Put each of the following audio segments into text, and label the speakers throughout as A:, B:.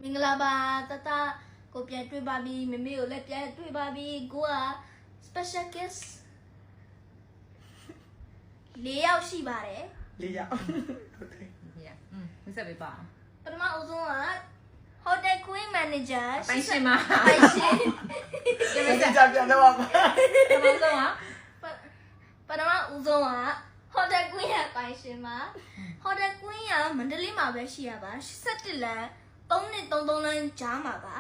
A: မင်္ဂလာပါတတကိုပြန်တွေ့ပါပြီမမေကိုလည်းပြန်တွေ့ပါပြီကိုက special guest ၄ယောက်ရှိပါတယ်
B: ၄ယောက်ဟုတ်တယ်
C: မဆက်ပေးပါ
A: ပထမအဆုံးက hotel queen manager
C: ပိုင်ရှင်မ
A: ပိုင်ရှင်
B: ဒီမကြပြန်တော့ပါ
C: ပထမဆုံးက
A: ပထမဦးဆုံးက hotel queen ရပိုင်ရှင်မှာ hotel queen ကမန္တလေးမှာပဲရှိရပါ17လမ်း333လမ်းကြားမှာပါ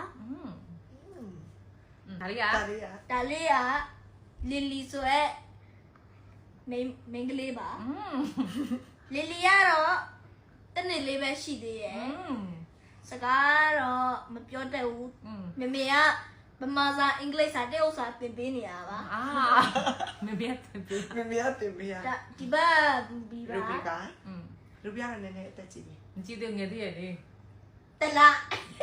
C: ဒါလေးက
B: ဒါလေးက
A: ဒါလေးကလီလီဆိုရဲမိန်းကလေးပါလီလီကတော့တနေ့လေးပဲရှိသေးရဲ့စကားတော့မပြောတတ်ဘူးမမေကဗမာစာအင်္ဂလိပ်စာတရုတ်စာသင်ပေးနေတာပါ
C: မပြတ်ပေး
B: မမေကတင်ပေးရ
A: ဒါဒီဘက်ဘီ
B: ရူပီ
A: ပါ
B: ပါရူပီကလည်းနည်းနည်းအသက်ကြီးပြီ
C: မကြည့်သေးငယ်သေးရဲ့လေ
A: တလား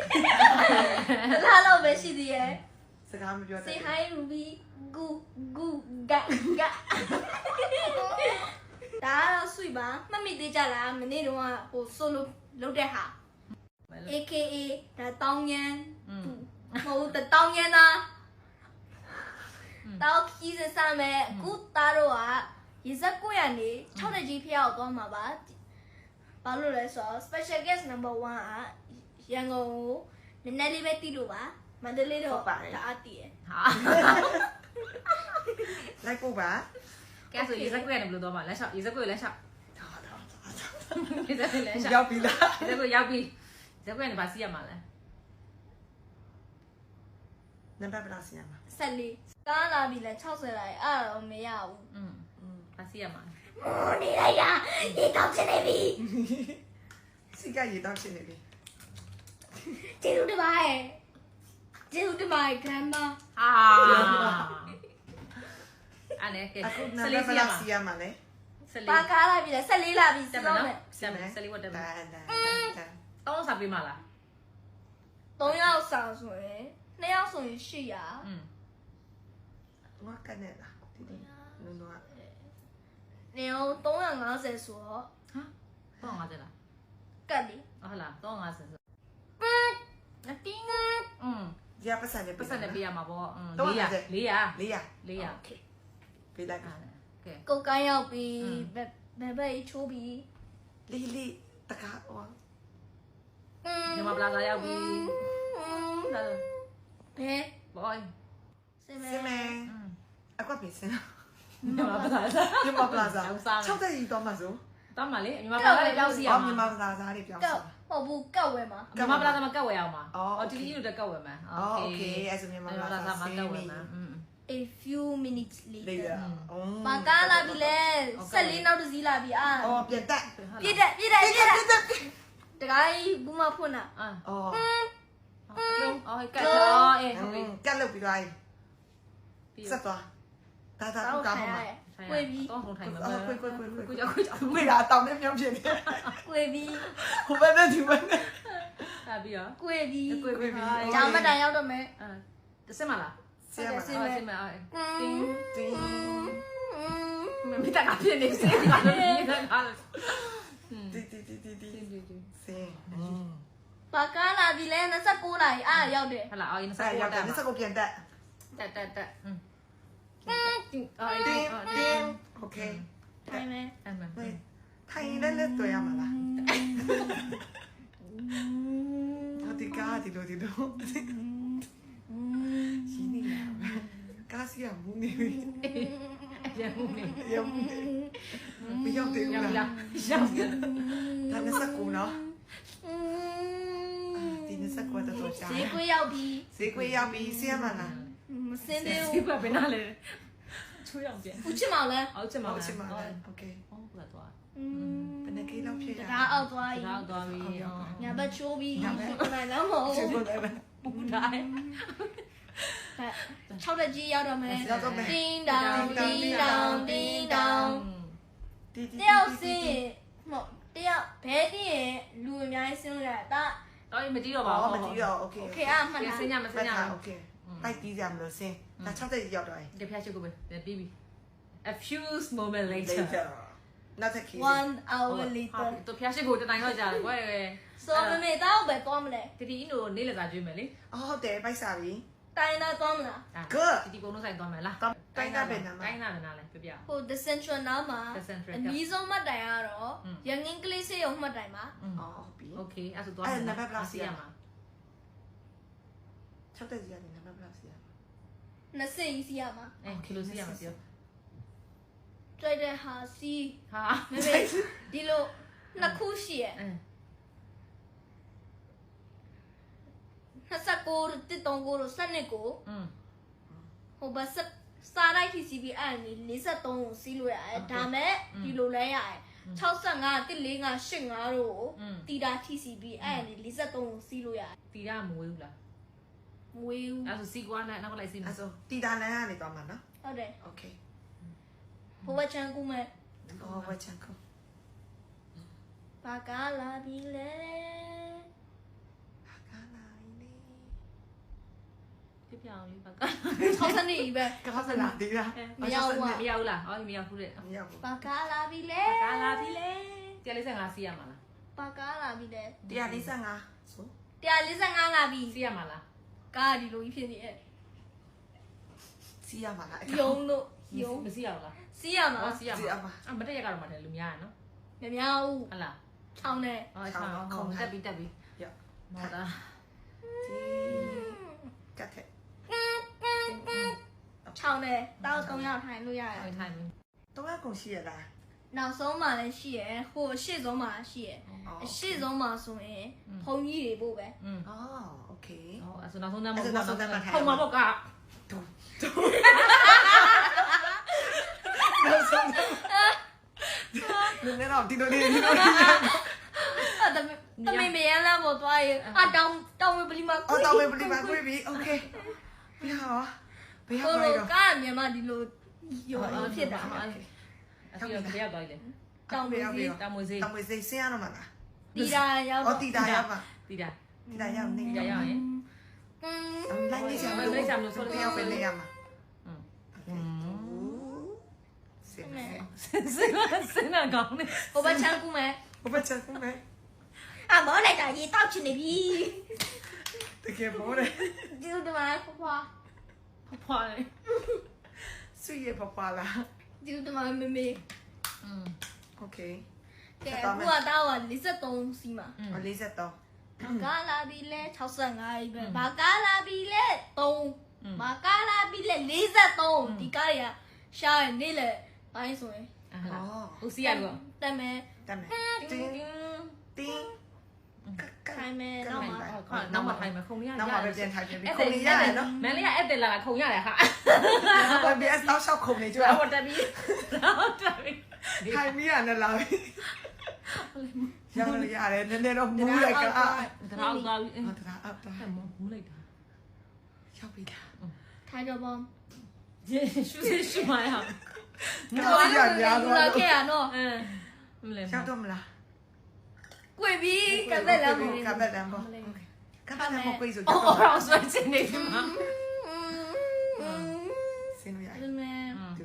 A: လောက်ပဲရှိသေးရဲ့
B: စကားမပြောတတ်
A: Say hi Ruby gu gu ga ga ဒါတော့ဆွေပါမှတ်မိသေးကြလားမနေ့တုန်းကဟို solo လုပ်တဲ့ဟာ AKA ဒါတောင်းညမ်းမဟုတ်တတောင်းညမ်းသားတောက်ကြီးစစမဲ့အခုသားတို့ကရေစက်ကိုရနေ6နှစ်ကြီးဖျောက်သွားမှာပါဘာလို့လဲဆိုတော့ special guest number 1ကရန်ကုန်ကိုနည်းနည်းလေးပဲတီးလို့ပါမန္တလေးတော့ဒါအတီးရ
C: ဟာ
B: လိုက်ပို့ပါ
C: ကဲဆိုရေစက်ကွရတယ်ဘယ်လိုတော့မလဲရှောက်ရေစက်ကွလက်ရှောက်ရေစက်လက်ရှောက်
B: ရောက်ပြီလား
C: ရေစက်ကွရောက်ပြီရေစက်ကွကနေပါစီးရမှာလဲ
B: နံပါတ်ဘယ်လောက်စီရမှာ
A: 14ကားလာပြီလဲ60လိုက်အဲ့တော့မရဘူး
C: ပါစီးရမှာ
A: မိုးနေလိုက်တာဒီကောက်ချင်နေပြီ
B: စီကရေတောက်ရှင်နေပြီ
A: ကျေးဇူးတင်ပါတယ်ကျေးဇူးတင်ပါတယ် grandma
C: ဟာအဲ့နဲ့ကဲ
B: အခုနံပါတ်ဘယ်လောက်စီရမှာလဲ
A: ပါကားလာပြီလဲ14လာပြီ
C: တက်
A: စော
C: မ
A: င်း
C: နော်
A: မယ်
C: တက်မယ်ဆလီဝတ်တက်မယ်
B: တန်
C: တောင်းစားပေးမလား
A: 3ယောက်စာဆိုရင်2ယောက်ဆိုရင်800
B: ငါကနေလားဒီဒီနုံတော့
A: နေအောင်350ဆိုတော့
C: ဟာတော့50လား
A: ကတ်လီ
C: ဟုတ်လား350ဆို
A: အတင်း
B: ရပတ်စံနေ
C: ပတ်စံနဲ့ပေးရမှာပေါ့400
B: 400
C: 400
A: โอเค
B: ပေးလိုက်က
C: ကဲ
A: ကုတ်ကိုင်းရောက်ပြီဘယ်ဘက်ချိုးပြီ
B: လီလီတကားဟော
C: ညီမပလာဇာရောက်ပြီဒါ
A: ဘယ်
C: ဘောင်း
A: စင်မဲ
B: စမဲအကွက်ပေးစင်
C: ညီမပလာဇာ
B: ညမပလာဇာ6တဲ့ကြီးတော့မှဆို
C: တောင်းပါလေညီမပလာဇာလည်းပြောင်းစီရ
B: အော်
C: မှာ
B: ညမပလာဇာလေးပြောင်း
A: ကော
B: စီ
A: က်ဟုတ်ဘူးကောက်ဝဲမှာ
C: ညီမပလာဇာမှာကတ်ဝယ်အောင်ပါတီတီတို့တက်ကတ်ဝယ်မှာ
B: โอเคအဲ့ဆိုညမပလာဇာ
C: မှာကတ်ဝယ်မှာ
A: a few minutes
B: လေး
A: later
B: အော်
A: ပါကားလာပြီလဲ14နောက်တစ်စီးလာပြီအာ
B: အော်ပြန်တက်
A: ပြည့်တယ်တခါကြီးဘူးမဖွင့်တာ
B: အော်
C: အော်ကတ်တော့အေး
B: ကက်လုပ်ပြီးသွားပြီဆက်သွားဒါဒါကူကားမှာ
A: ကွေပြီး
C: တော့ထုံထိုင်မှာ
B: ကွေ
C: ကိုကြောက်ကိုကြောက်
B: ဝေးတာတောင်းနေမြောင်းဖြစ်နေ
A: ကွေပြီး
B: ဟိုဘက်နဲ့ဒီဘက်နဲ့
C: ဟာပြီးရော
A: ကွေပြီး
C: ကိုပြီးပြီ
A: ကျောင်းမတိုင်ရောက်တော့မယ်
C: တစမလား
B: ဆရာမ
C: ဆင်းမတင်း
B: တင်း
C: မတကဖြစ်နေစေတာလို့ဒီကလာ
B: တီစင်
A: ပါကားလာပြီလဲ29လာပြီအာရောက်တယ်
C: ဟလာအော်ရင်စ
B: အဲ့
C: ကော
B: ရောက်တယ်
C: တာ
B: စကုတ်ပြန်တက်
C: တက်အော်
B: တင်းโอเค
A: ထိုင်မယ်
C: အဲ့မှာ
B: ထိုင်လဲလဲတွေ့ရမှာလားဒီကားဒီလိုရှင်းနေရကားစီကမူနေပြီ
C: ရမှုနေ
B: ရမမရောက်သေးဘူး
C: ရောက်
B: လား
C: ရောက်
B: ဒါနဲ့စကူနော်ဒီနဲ့စကူတော့ရှာ
A: ဈေးကွေးရောက်ပြီ
B: ဈေးကွေးရောက်ပြီဆင်းရမှာလား
A: မစင်းသေး
C: ဒီ
A: ဘူး
C: ကဘယ်နာလဲချိုးရောက်ပြန်
A: ဦးချစ်မောင်လဲ
C: အောက်ချက်မှာ
B: ဟုတ်ချင်ပါလားโอเค
C: ဟုတ်ကဲ့တော့
B: ဘယ်နှကိလောက်ဖြစ်
A: တကားအောက်သွားပြီ
C: တော့သွားပြီ
A: ညာဘက်ချိုးပြီနိုင်တော့မဟုတ်
B: ချစ်ဖို့လည်း
C: ပူတိုင်း
A: 6တက်ကြီးရောက်တော့မယ်
B: ရောက်တော့မယ်
A: တင်းတောင်တင်းတောင်တင်းတောင်
B: တီ
A: တယောက်စင်းမဟုတ်တယောက်ဘဲတည်းရင်လူအများကြီးစင်းလို့ရတယ်ဒါ
C: တော့မကြည့်တော့ပါ
B: အော်
C: ဘူး
B: မကြည့်တော့โอเค
A: โอเคอ่ะမှတ်လား
C: စင်းညမစင်းည
B: โอเคတိုက်ပြီးကြမလို့စင်းဒါ6တဲ့ရောက်တော့
C: ဒီဖျားချိုးကိုပဲပြီးပြီ a few moment later
B: နောက်တစ်ခီး
A: 1 hour later
C: တို့ဖျားရှိကိုတနိုင်တော့ကြာတယ်ကွယ်
A: so မမေတောက်ပဲသွားမလဲ
C: တီတီအင်းတို့နေလက်စားကျွေးမယ်လေ
B: အော်ဟုတ်တယ်ပိုက်စားပြီ
A: တိုင်းနာသွားမလား
C: တီတီပုံလုံးဆိုင်သွားမယ်လား
B: တိုင်းတာပဲနာမ
C: တိုင်းနာပဲနားလဲပြပြ
A: ဟို the central နားမှာ
C: The Central
A: အနည်းဆုံးမှတ်တိုင်ကတော့ရငင်းကလေးစေးရုံမှတ်တိုင်ပါ
B: အော်ဟုတ်ပြီ
C: โอเคအဲ့ဆိုသွားမယ်မှာ
B: 6တက်စီရတယ်နံပါတ်ဘယ်လောက်စီရ
A: 20စီရမှာ
C: ကီလိုစီရမှာပြော
A: တွေ့တဲ့ဟာစီ
C: ဟာ
A: မမေဒီလိုနှစ်ခုရှိရဲ့29တစ်တုံးကိုစနစ်ကိုဟိုဘတ်စားလိုက်ထိစီပြီးအဲ့ဒါ43ကိုစီးလို့ရတယ်ဒါမဲ့ဒီလိုလဲရတယ်65 145 85တို့ကိုတီတာထိစီပြီးအဲ့ဒါ43ကိုစီးလို့ရတယ်
C: တီရမဝေးဘူးလား
A: မဝေးဘူး
C: အဲ့ဆိုစီကွာနဲ့နောက်ကလိုက်စီမယ်
B: အဲ့ဆိုတီတာလန်ကနေသွားမှာနော်
A: ဟုတ်တယ်
B: โอเค
A: ဘဝချန်ကူမဲ့
B: အော်ဝချန်ကို
A: ဘာကလာပြီလဲ
B: ဟာကလာနေ
C: ပြပြအောင်လေးပါက
A: 60နှစ်ပဲ
B: ကောစလာဒီလား
C: မရောက်ဘူးလားဟောမရောက်ဘူးတဲ့
B: မရောက်ဘူး
A: ဘာကလာပြီလဲ
C: ကာလာပြီလေ145စီရမှာလား
A: ဘာကလာပြီလဲ
B: 145ဆို
A: 145လာပြီ
C: စီရမှာလား
A: ကားဒီလိုကြီးဖြစ်နေရဲ့
B: စီရမှာလား
A: ယုံလို့ယုံ
C: မစီရဘူးလား
A: စီးရမှာ
C: ဟောစီရ
B: စီရ
C: မှာ
B: မှာ
C: အမတက်ရကတော့မှတယ်လူများရနော်
A: မများဘူး
C: ဟုတ်လား
A: ချောင်းနဲ့
C: ဟောချောင်းခုံတက်ပြီးတက်ပြီး
B: ရ
C: မော်တာ
B: ဒီကတ်တဲ့
A: ချောင်းနဲ့တောက်3ယောက်ထိုင်လို့ရတယ်
C: ထိုင်ထိုင်ပြီ
B: တော့အကုန်ရှိရလား
A: နောက်ဆုံးမှလည်းရှိရယ်ဟိုအရှိဆုံးမှရှိရယ်အရှိဆုံးမှဆိုရင်ဘုံကြီးတွေပို့ပဲ
B: အော်โอเค
C: ဟောအဲ့ဆိုနောက်ဆုံးတန်းမဟုတ်
B: အဲ့ဆိုနောက်ဆုံးတန်းမှာထိုင်
C: ထုံမှာပေါ့က
B: နောက်ဆုံးလူနေတော့ဒီလိုလေး
A: အဲ့တမင်မရမ်းလာပေါ်သွားရင်အတောင်ဝေပလီမှာ
B: အော်တော့ဝေပလီမှာတွေ့ပြီโอเคဘယ်ဟာဘယ်ဟာ
A: ကို
B: လဲ
A: လို
B: တော့
A: ကားမြန်မာဒီလိုယုံဖြစ်တာ
C: အဲ့ဒီတော့တရားသွားတယ်
A: တောင်ဝေကြီး
C: တာမွေစေး
B: တောင်ဝေစိတ်ဆင်းရတော့မှာလား
A: တီတာရောက်
B: အော်တီတာရပါ
C: တီတာ
B: တီတာရနေ
C: တီတာရရင်
B: လိုက်နေချင်လို့ရောက်ပဲနေရမှာစင်နေ
C: စင်နာကောင်းနေ
A: ဟိုဘချန်ကူမယ်
B: ဘယ်ချက်မဲ
A: အမောလိုက်တာရေတောက်ချင်နေပြီ
B: တကယ်ပေါ်တယ်
A: ဒီလိုတမန်ဖွာ
C: ဖွာလေ
B: ဆွေရပပလာ
A: ဒီလိုတမန်မေမေ
B: โอเค
A: ကဲအခုကတော့43စီမှာ
B: 43
A: ကာလာဘီလဲ65ပဲဘာကာလာဘီလဲ3ဘာကာလာဘီလဲ43ဒီကားရရှားနေလေပိုင်းဆိုရင်
C: ဟိုစီရတော့
A: တက်မယ်
B: တမ်းတင်းတင်း
A: ခိုင်းမယ်တော့မှာ
C: နောက်မှထိုင်မယ်ခုံရရ
B: နောက်မှပဲပြန်ထိုင်ပြန်ပြီးခုံနေရတယ်နော်
C: မန်လေးကအဲ့တယ်လာခုံရတယ်ဟာ
B: ဘာပဲအတော့ရှောက်ခုံနေကြ
C: ဟောတက်ပြီးတော့တက်ပြီး
B: ထိုင်မိရနဲ့လာပြီရတယ်နည်းနည်းတော့မူးလိုက်ကအာ
C: တော့သွားပြီး
B: ဟုတ်တာအောက်တာ
C: မူးလိုက်တာ
B: ရောက်ပြီလား
A: ထိုင်တော့ဘော
C: ယေရှုရှုမရအောင်
B: တော့ရရ
A: လာခဲ့ရနော်
C: မလဲ
B: ရောက်တော့မလား
A: ကွေပြီကပ်သက်လာမယ်
B: ကပ်သက်လမ်းပေါ့ကပ်သက်လမ်းပေါ့ပြေးဆို
C: အော်တော့ဆွဲချင်နေပြီမှာ
B: စင်းလို့ရ
A: ဒီမဲ့
B: တူ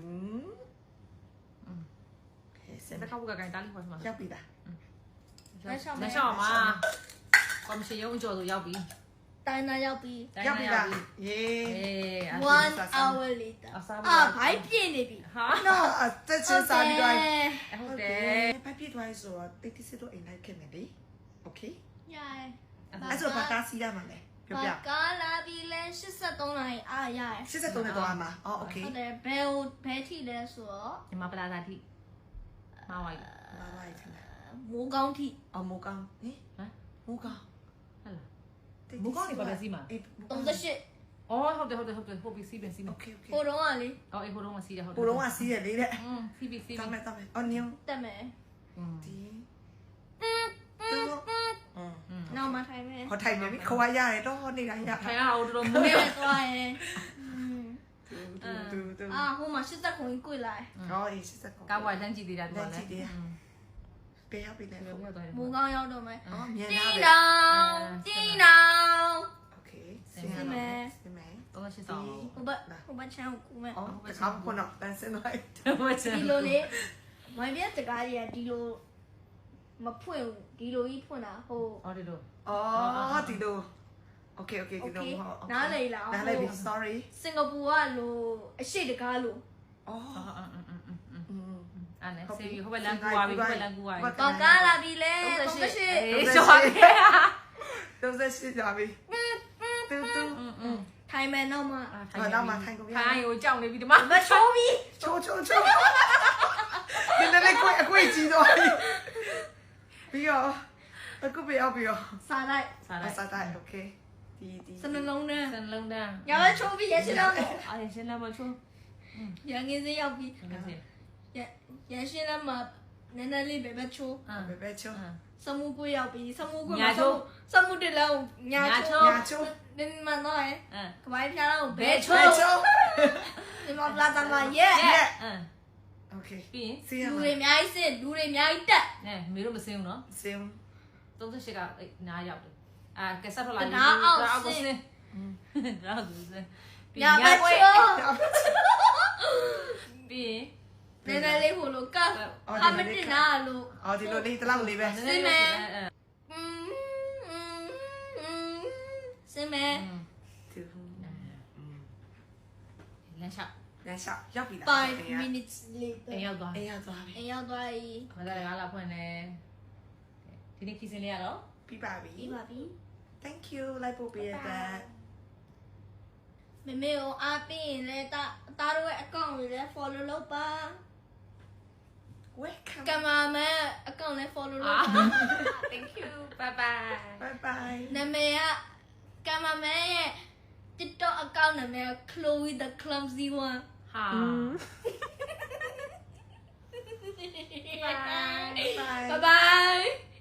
B: စင်း
C: တကောက်ကကိုင်တားလိခေါ်မှာ
B: ရောက်ပြီလား
C: လက်ရှော့မှာကော်မရှင်ရုံးအကျော်ဆိုရောက်ပြီ
A: တိုင်းနာရောက်ပြီ
B: ရောက်ပြီလားယေ
A: 1 hour later ဘိုက်ပြည့်နေပြီ
C: ဟာ
A: နော်
B: တက်ချင်စားပြီးတော့
C: ဟုတ်တယ်
B: ဘာဖြစ်သွားဆိုတော့တိတ်တိစစ်တော့အိမ်လိုက်ခဲ့မယ်လေโอเค
A: ရိုင်
B: အဲ့ဆိုဘာကားစီးရမှာလဲပြောပြ
A: ဘာကားလာပြီလဲ83နိုင်အားရရ
B: 83နဲ့တော့မှာအော်โอเค
A: ဟုတ်တယ်ဘယ်ထိလဲဆိုတော့
C: ညီမပလာသာတိမှာဝိုင်း
B: ဘာဝိုင်းထင်လဲ
A: မိုးကောင်းထိ
B: အော်မိုးကောင်းဟင်မိုးကောင်း
C: ဟဲ့လားမူကောင်းနေပါပဲစီမှာ
A: 38
C: အော်ဟုတ်တယ်ဟုတ်ပြီစီးပြီစီးပြီ
B: โอเคโอเค
A: ဟိုတော့ကလေ
C: အော်အေးဟိုတော့မစီးတယ်ဟုတ်တယ်
B: ကိုတော့ကစီးရလေတဲ့
C: စီးပြီစီး
B: တ
C: ပြီ
B: မ်းမယ်အော်ညော
A: တက်မယ်
B: ဒီတူ
A: နောက်မှထိုင်မယ်
B: ဟောထိုင်မယ်ခွာရတယ်တော့နေတာရ
C: ထိုင်အောင်တော်တော်မူ
A: မ
C: နေ
A: င်းသွားရင်
B: တူ
A: ဟိုမှာ80ခုကြီး꿰လိုက်
B: ဟောအေးစစ်ကော
C: ကားဝိုင်းတန်းကြည့်သေးတာတူပါလေ
B: ပေးရပြီလေ
C: ပြောပြောသွားတယ်
A: မိုးကောင်းရောက်တော့မယ်
B: အော်မြန်
A: တင်း
B: လာပဲ
A: တောင်တင်းတောင်
B: โอเคစင်မယ်
C: 38ဆောင်
A: ဟိုဘချမ်းကိုကူမယ်
B: အော်တခါခုနတန်းစင်လိုက်
C: ဝတ်ချင်
A: ဒီလိုလေမိုင်းပြစကားကြီးကဒီလိုမဖွင့်ဒီလိုကြီးဖွင့်တာဟို
C: အော်ဒီလို
B: အော်ဒီလို Okay ဒီလိုဟုတ်
A: နားလေလား
B: နားလေပြီ sorry
A: စင်ကာပူကလိုအရှိတကားလို
B: အော်
C: အဲ့နဲ့ဆေးပြီးဟိုဘက်လမ်းကူသွားပြီဟိုဘက်လမ်းကူသွားပြီ
A: တော့ကားလာပြီလေ38
C: အေးရှော့တယ်
B: 38ကြာပြီတူတူ
A: ထိုင်မယ်တော့မှ
B: ဘာတော့မှထိုင်ကုန်ပြီ
C: ထိုင်ကိုကြောက်နေပြီဒီမှာ
A: မချိုးပြီ
B: ချိုးဒီနေ့ကိုအကွေးကြီးတော့ပြီးရောအခုပြီးရော
A: စားလိုက်
C: စားလိုက်
B: စားတိုင်း okay ဒီ
A: စနှလုံးနဲ့
C: စလုံးတန်း
A: ရမချိုးပြီရရှိတော့
C: အဲ့ရှင်းလာမချိုး
A: ရငင်းစင်းရောက်ပြီ
C: ငါစီ
A: ရရှိတော့မှနည်းနည်းလေးပဲချိုး
B: ဘယ်ချိုး
A: စမှုကွေးရောက်ပြီစမှုကွေးမှာစမှုတလုံးညာချိုး
B: ညာချိုး
A: ဒီမှာတော့ကဘာဖျားတော့ဘဲ
B: ဘယ်
A: ချိုး
B: ချိုး
A: ဒီမှာပလာတာမှာရဲ
B: okay
C: ပြီးရင်
B: စီးရ
A: လူ
B: မ
A: တွေအများကြီးစစ်လူတွေအများကြီးတက်
C: နဲမေတို့မစင်းဘူးနော်
B: စင်း
C: 38ကနားရောက်တယ်အာကက်ဆက်ထွက်လာ
A: နားအောင်စင်း
C: နားအောင်စင်း
A: ညာမချိုး
C: ပြီးရင်
A: နည်းနည်းလေးဟိုလိုကဟာမတင်နာလို့
B: အော်ဒီလိုလေးတလောက်လေးပဲ
A: စင်မဲ
C: လမ်းလျှောက်
B: လမ်းလျှောက်ရောက်ပြီလား
A: 5 minutes later
C: အိမ်ရောက်သွား
B: အေးရောက်သွားပြီ
A: အရောက်သွားပြီ
C: မသားလည်းငါလာဖွင့်တယ်ဒီနေ့ခီးစင်းလေးရတော့
B: ပြီးပါပြီ
A: ပြီးပါပြီ
B: thank you လိုက်ပို့ပေးရတဲ့
A: မမေကိုအားပေးရင်လည်းတားတို့ရဲ့ account ကိုလည်း follow လုပ်ပါ
B: welcome
A: ကင်မရာမန် account လည်း follow လုပ်ပါ
C: thank you bye bye
B: bye bye
A: နာမည်ကကင်မရာမန်ရဲ့ TikTok account နာမည်က Chloe the Clumsy One
C: ဟာ
B: bye
A: bye bye